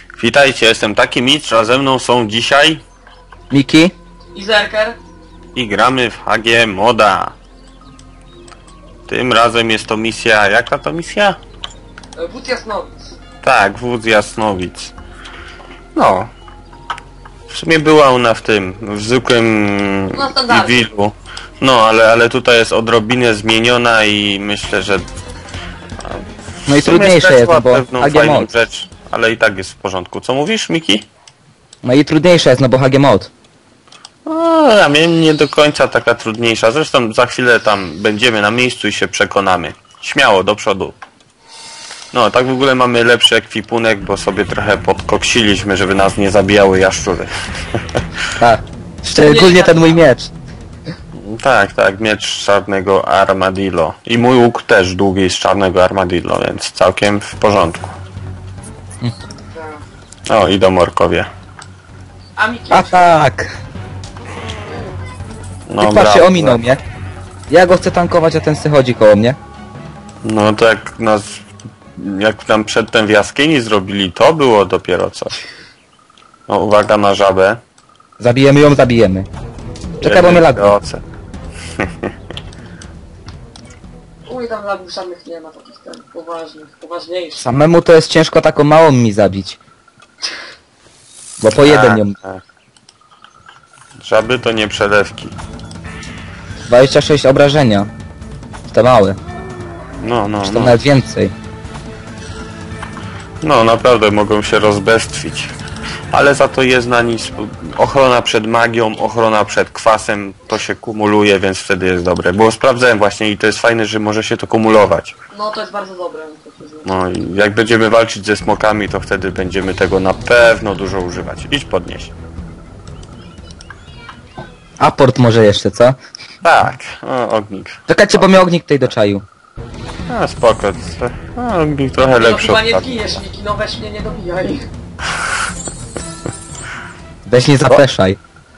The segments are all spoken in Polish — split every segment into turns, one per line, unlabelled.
Witajcie, jestem taki mistrz, a ze mną są dzisiaj
Miki?
I Zerker?
i gramy w HG Moda. Tym razem jest to misja, jaka to misja?
Wódz Jasnowic.
Tak, wódz Jasnowic. No. W sumie była ona w tym, w zwykłym
No, standardzie.
Evilu. No, ale tutaj jest odrobinę zmieniona i myślę, że
No i
w sumie
trudniejsze jest,
stracła
no bo
pewną
HG
fajną
Mod.
rzecz, ale i tak jest w porządku. Co mówisz, Miki?
No i trudniejsze jest, no bo HG Mod.
A mnie nie do końca taka trudniejsza. Zresztą za chwilę tam będziemy na miejscu i się przekonamy. Śmiało, do przodu. No, tak w ogóle mamy lepszy ekwipunek, bo sobie trochę podkoksiliśmy, żeby nas nie zabijały jaszczury.
Tak. Szczególnie ten mój miecz.
Tak, miecz z czarnego armadillo. I mój łuk też długi z czarnego armadillo, więc całkiem w porządku. O, idą orkowie.
A Miki?
A tak.
No,
I patrz, się
brawo.
ominął mnie. Ja go chcę tankować, a ten se chodzi koło mnie.
No to jak nam przedtem w jaskini zrobili, to było dopiero coś. No, uwaga na żabę.
Zabijemy ją, zabijemy. Czekaj, bo mnie laguje.
Oce.
U mnie tam lagów żadnych nie ma takich ten poważniejszych.
Samemu to jest ciężko taką małą mi zabić. Bo po jeden ją.
Tak. Żaby to nie przelewki.
26 obrażenia. Te małe.
No,
Czy to nawet więcej.
No, naprawdę mogą się rozbestwić. Ale za to jest na nic ochrona przed magią, ochrona przed kwasem, to się kumuluje, więc wtedy jest dobre. Bo sprawdzałem właśnie i to jest fajne, że może się to kumulować.
No to jest bardzo dobre. To przyznam.
No i jak będziemy walczyć ze smokami, to wtedy będziemy tego na pewno dużo używać. Idź podnieś.
Aport może jeszcze, co?
Tak, o, ognik.
Czekajcie, bo mnie ognik tutaj do czaju.
A spoko. Ognik trochę
No
lepszy
chyba
od
nie
tak.
zginiesz Miki, no weź mnie nie dobijaj.
Weź nie zapeszaj.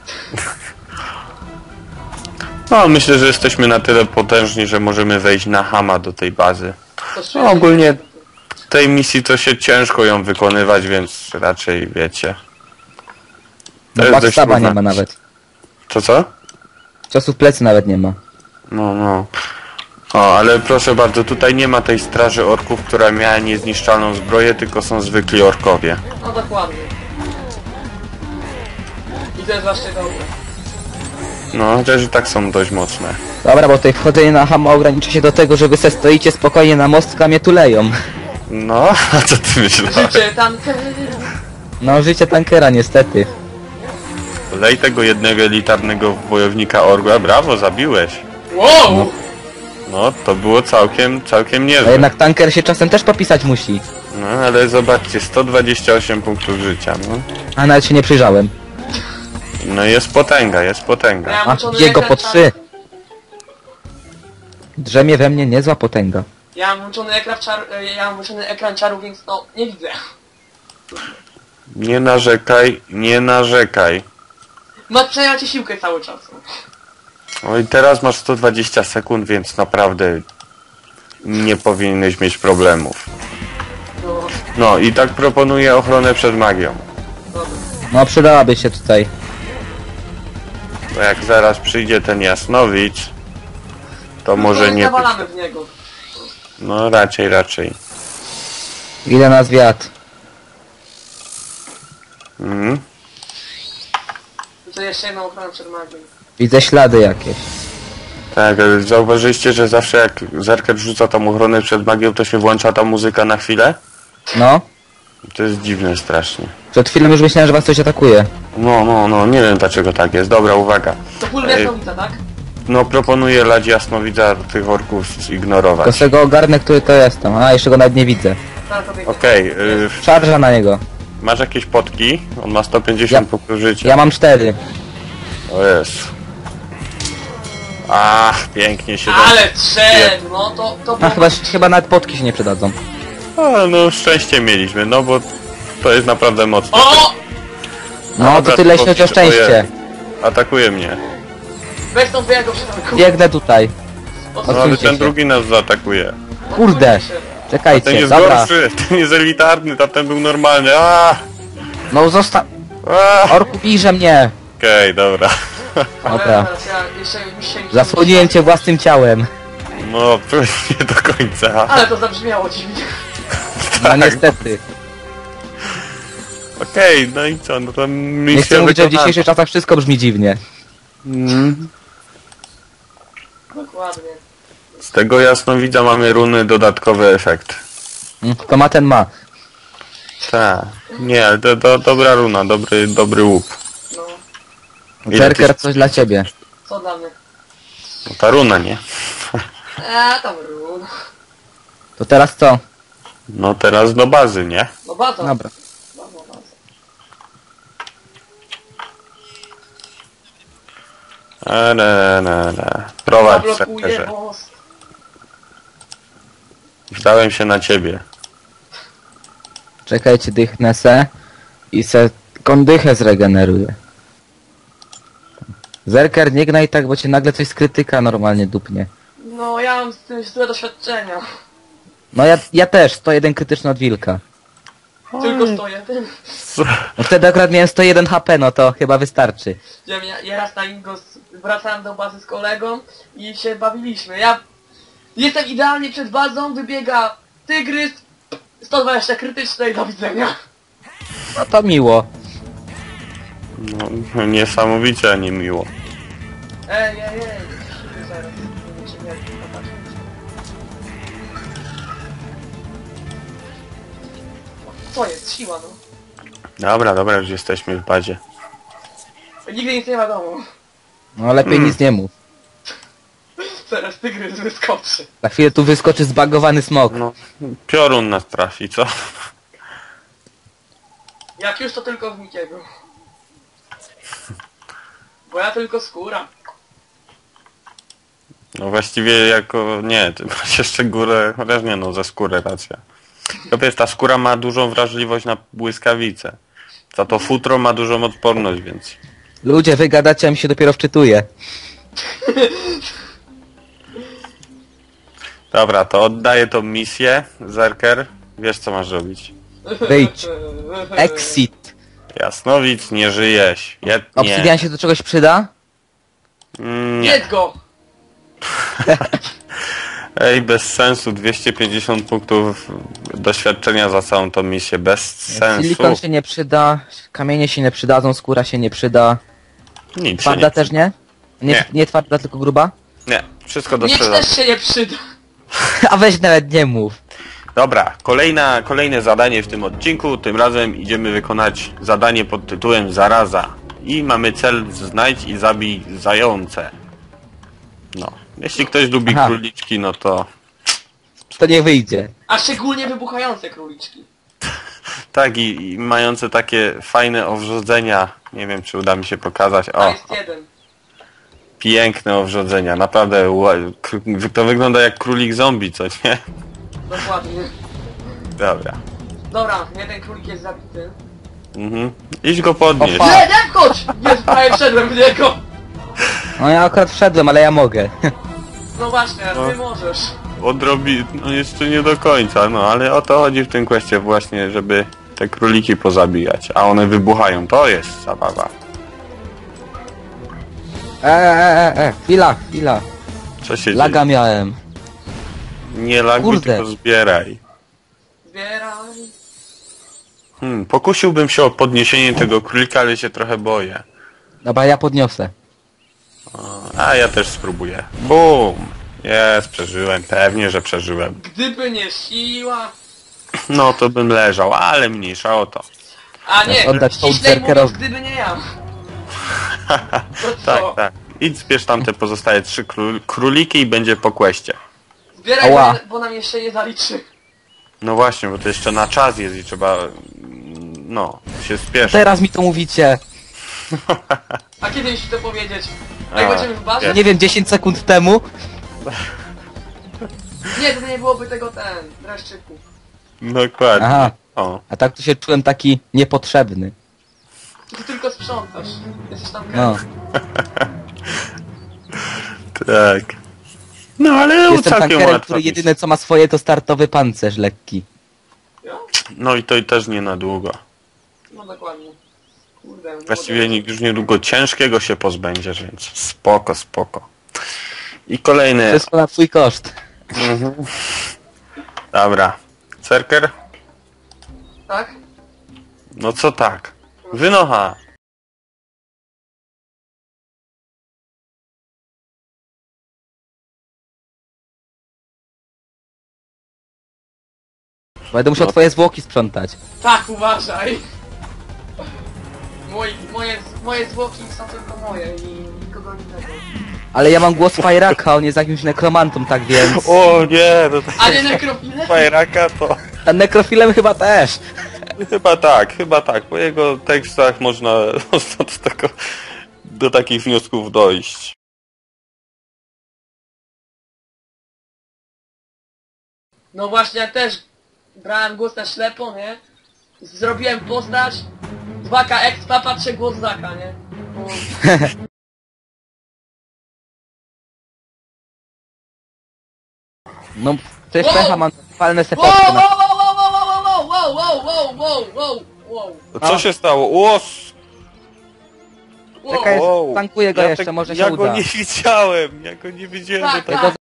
No, myślę, że jesteśmy na tyle potężni, że możemy wejść na Hama do tej bazy.
To
No, ogólnie tej misji to się ciężko ją wykonywać, więc raczej wiecie.
No
jest dość
backstaba
trudne.
nie ma nawet.
Co?
Ciosów plecy nawet nie ma.
No. O, ale proszę bardzo, tutaj nie ma tej straży orków, która miała niezniszczalną zbroję, tylko są zwykli orkowie.
No dokładnie. I to jest właśnie dobre.
No, chociaż i tak są dość mocne.
Dobra, bo tutaj wchodzenie na Hama ogranicza się do tego, że wy se stoicie spokojnie na mostku, a mnie tuleją.
No, a co ty myślałeś?
Życie tanker.
No, życie tankera niestety.
Lej tego jednego elitarnego wojownika orła, brawo, zabiłeś.
Wow!
No, to było całkiem
A
niezłe.
jednak tanker się czasem też popisać musi.
No, ale zobaczcie, 128 punktów życia, no.
A nawet się nie przyjrzałem.
No jest potęga, jest potęga.
Miałem
A,
włączony
jego
ekran
po 3.
czaru.
Drzemie we mnie niezła potęga.
Ja mam włączony ekran czaru, więc no nie widzę.
Nie narzekaj.
No przejęła ci siłkę cały czas.
Oj, teraz masz 120 sekund, więc naprawdę nie powinieneś mieć problemów.
No,
No i tak proponuję ochronę przed magią.
dobra.
No, przydałaby się tutaj.
Bo jak zaraz przyjdzie ten Jasnowicz, to może
No,
nie...
zawalamy w niego.
No raczej.
Ile nas wiatr.
Mhm.
To jeszcze jedną ochronę przed magią.
Widzę ślady jakieś.
Tak, ale zauważyliście, że zawsze jak Zerker rzuca tam ochronę przed magią, to się włącza ta muzyka na chwilę?
No.
To jest dziwne strasznie.
Przed chwilą już myślałem, że was coś atakuje.
No, nie wiem dlaczego tak jest. Dobra, uwaga.
To pól jasnowica, tak?
No proponuję Ladzi Jasnowidza tych orków zignorować.
Tylko z tego ogarnę, który to jestem. A, jeszcze go nawet nie widzę.
Zaraz to biegnie.
Okej,
Szarża na niego.
masz jakieś potki? On ma 150 punktów życia.
Ja mam 4.
O jest. Ach, pięknie się
Ale trzed, no to
A, chyba nawet potki się nie przydadzą.
No szczęście mieliśmy, no bo to jest naprawdę mocne.
O!
No,
Dobra,
to tyle
to
jeśli o szczęście.
Atakuje mnie.
Weź tą wyjego przytanku.
Biegnę tutaj.
No ale
Odsuńcie
ten
się.
drugi nas zaatakuje.
Kurde.
Ten
Czekajcie,
jest
dobra.
gorszy, ten jest elitarny, tamten był normalny. A!
No zostaw...
Okej,
Orku, bijże mnie!
dobra.
Dobra.
Teraz ja jeszcze mi się...
Zasłoniłem cię własnym ciałem.
No, nie do końca.
Ale to zabrzmiało dziwnie.
No niestety.
Okej, no i co, no to misja
Nie chcę mówić, że w
wykonana.
dzisiejszych czasach wszystko brzmi dziwnie.
Dokładnie.
Z tego jasnowidza mamy runy dodatkowy efekt.
To ma ten ma.
Tak. Nie, ale to dobra runa, dobry łup.
No,
Ile
Zerker,
ty-
coś dla ciebie.
co dla mnie?
No, ta runa, nie?
Tam run.
To teraz co?
No teraz do bazy, nie?
No baza.
Dobra.
Baza.
Prowadź,
Zablokuje
sercerze.
most.
Zdałem się na ciebie.
Czekajcie, dychnę se. I se kondychę zregeneruję. Zerker, nie gnaj tak, bo cię nagle coś z krytyka normalnie dupnie.
No ja mam z tym złe doświadczenia.
No ja też, 101 krytyczny od wilka.
Tylko stoję tym.
No wtedy akurat miałem 101 HP, no to chyba wystarczy.
Ja raz na Ingos wracałem do bazy z kolegą i się bawiliśmy. Ja jestem idealnie przed bazą, wybiega tygrys, 120 krytyczne i do widzenia.
No to miło.
No, niesamowicie, a nie miło.
Ej. Zaraz. Nie, popatrz. Co jest? Siła, no.
Dobra, już jesteśmy w bazie.
Nigdy nic nie wiadomo.
No lepiej nic nie mów.
Zaraz tygrys wyskoczy.
Za chwilę tu wyskoczy zbagowany smok.
No, piorun nas trafi, co?
Jak już to tylko w Mikiego. Bo ja tylko skóra.
No właściwie jako... nie, ty masz jeszcze górę... chociaż nie no, ze skóry racja. Tylko wiesz, ta skóra ma dużą wrażliwość na błyskawice. Za to futro ma dużą odporność, więc...
Ludzie, wy gadacie, a mi się dopiero wczytuje.
Dobra, to oddaję tą misję, Zerker. Wiesz co masz robić.
Wyjdź. Exit.
Jasnowic, nie żyjeś. Nie.
Obsydian się do czegoś przyda?
Nie.
Jedz go!
Ej, bez sensu. 250 punktów doświadczenia za całą tą misję. Bez sensu.
Silikon się nie przyda, kamienie się nie przydadzą, skóra się nie przyda.
Nic się
Twarda
nie...
też nie?
Nie.
Nie twarda, tylko gruba?
Nie, wszystko do
Nic
sprzedaży.
też się nie przyda.
A weź nawet nie mów.
Dobra, kolejne zadanie w tym odcinku. Tym razem idziemy wykonać zadanie pod tytułem Zaraza. I mamy cel znajdź i zabij zające. No, jeśli ktoś lubi
Aha.
króliczki, no to...
To nie wyjdzie.
A szczególnie wybuchające króliczki.
Tak, i mające takie fajne owrzodzenia. Nie wiem, czy uda mi się pokazać.
A
O,
jest jeden.
piękne owrzodzenia. Naprawdę, to wygląda jak królik zombie, co nie?
Dokładnie.
Dobra.
Dobra, jeden królik jest zabity.
Idź go podnieść.
Opa.
Nie, nie wchodź! Nie, prawie wszedłem w niego!
No ja akurat wszedłem, ale ja mogę.
No właśnie, a ty możesz.
Odrobi... no jeszcze nie do końca, no ale o to chodzi w tym kwestii właśnie, żeby te króliki pozabijać, a one wybuchają, to jest zabawa.
Chwila.
Co się
Laga
dzieje?
miałem.
Nie laguj,
Kurde.
tylko zbieraj.
Zbieraj.
Pokusiłbym się o podniesienie tego królika, ale się trochę boję.
Dobra, ja podniosę.
A ja też spróbuję. Bum! Jest, przeżyłem, pewnie, że przeżyłem.
Gdyby nie siła...
No to bym leżał, ale mniejsza o to.
A nie,
Oddać tą
ściślej mówiąc,
Zerkerowi.
gdyby nie ja. To
Tak,
co?
tak. Idź zbierz tam te pozostałe 3 króliki i będzie po kwestie.
Zbieraj,
Ała.
bo nam jeszcze nie zaliczy.
No właśnie, bo to jeszcze na czas jest i trzeba... no, się spieszyć.
Teraz mi to mówicie.
A kiedy mi się to powiedzieć?
A,
Jak będziemy w barze?
Nie wiem, 10 sekund temu.
Nie, to nie byłoby tego dreszczyku.
Dokładnie.
Aha.
O,
A tak to się czułem taki niepotrzebny.
Ty tylko sprzątasz. Jesteś tam
No.
tak. No ale
Jestem
całkiem
tankerem,
łatwo.
który jedyne co ma swoje to startowy pancerz lekki.
Ja?
No i to i też nie na długo.
No dokładnie. Kurde,
Właściwie już niedługo ciężkiego się pozbędziesz, więc spoko, spoko. I kolejny.
To jest na twój koszt.
Dobra. Cerker?
Tak?
No co tak? Wynocha.
Będę musiał
No.
twoje zwłoki sprzątać.
Tak, uważaj! Moje zwłoki są tylko moje i nikogo innego.
Ale ja mam głos Fajraka, on jest jakimś nekromantą, tak więc...
O nie, no to
A nie nekrofile?
fajraka to...
A nekrofilem chyba też.
Chyba tak. Po jego tekstach można do takich wniosków dojść.
No właśnie, ja też brałem głos na ślepo, nie? Zrobiłem postać, 2K expa, patrzę głos Zaka, nie? No,
No, przecież
Wow!
pecha mam falne
wow,
sepotki
wow,
na...
wow, wow, wow, wow, wow, wow, wow, wow, wow,
Co się stało? Łos!
wow.
Czekaj,
Wow.
tankuję go
Ja
jeszcze,
tak-
może się
ja
uda.
go nie widziałem, ja go nie widziałem.
Tak,
do tego.
tak.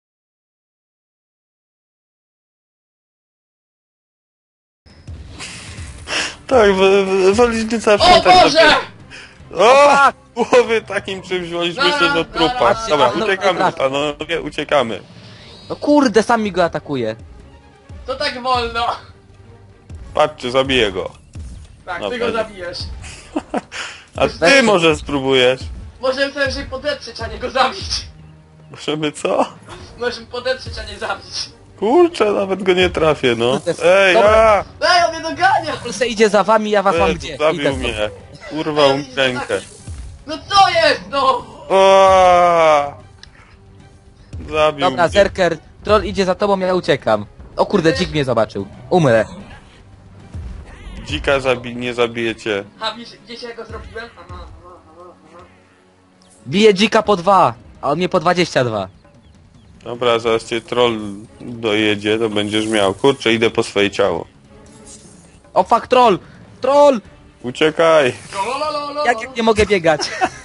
Tak, wolicznica
O
sprzątać
Boże!
O! Głowy takim czymś woliśmy się do trupa.
Zaraz,
Dobra,
zaraz.
uciekamy,
Zaraz.
panowie, uciekamy.
No kurde, sam mi go atakuje.
To tak wolno.
Patrzcie, zabiję go.
Tak,
No,
ty go
będzie.
zabijesz.
A ty może spróbujesz?
Możemy sobie że podetrzeć, a nie go zabić.
Możemy co?
Możemy podetrzeć, a nie zabić.
Kurczę, nawet go nie trafię, no. Ej,
Dobra.
Ej, on mnie dogania!
Polsce idzie za wami, ja was mam gdzie. Idę
zabił
stąd.
mnie. Urwał mi rękę.
No co jest, no?
O! Zabił
Dobra,
mnie.
Zerker, troll idzie za tobą, ja uciekam. O kurde, dzik mnie zobaczył. Umrę.
Dzika nie zabijecie.
A wiecie jak go zrobiłem? Aha, aha, aha.
Bije dzika po 2, a on mnie po 22.
Dobra, zaraz cię troll dojedzie, to będziesz miał. Kurczę, idę po swoje ciało.
O fuck, troll! Troll!
Uciekaj!
Lololololo.
Jak nie mogę biegać?